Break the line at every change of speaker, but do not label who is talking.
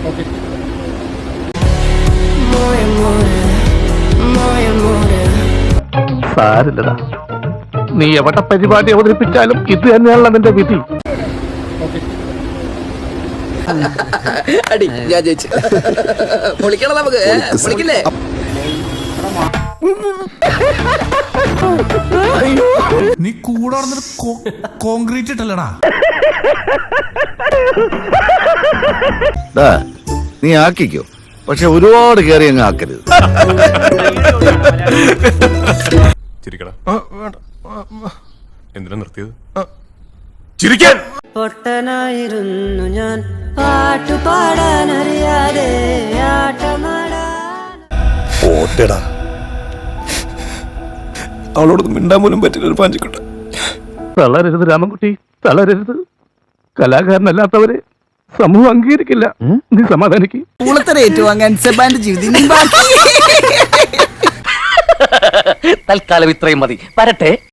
സാരില്ലടാ, നീ എവിടെ പരിപാടി അവതരിപ്പിച്ചാലും ഇത് തന്നെയാണല്ലോ നിന്റെ വിധി.
അടി ഞാൻ ജയിച്ചു. പൊളിക്കണം നമുക്ക്, പൊളിക്കില്ലേ?
നീ കൂടെ കോൺക്രീറ്റ് ഇട്ടല്ലടാ.
നീ ആക്കിക്കോ, പക്ഷെ ഒരുപാട് കയറി അങ്ങ് ആക്കരുത്.
ചിരിക്കടാ. എന്തിനാ നിർത്തിയത്? ചിരിക്കാൻ.
പൊട്ടനായിരുന്നു ഞാൻ, പാട്ടുപാടാനറിയാതെ
ഓട്ടേടാ, അവളോട് മിണ്ടാൻ പോലും പറ്റില്ല. ഒരു പാഞ്ചിക്കോട്ടെ.
തളരരുത് രാമൻകുട്ടി, തളരരുത്. കലാകാരനല്ലാത്തവരെ സമൂഹം അംഗീകരിക്കില്ല. നീ സമാധാനിക്ക്.
തൽക്കാലം ഇത്രയും മതി. വരട്ടെ.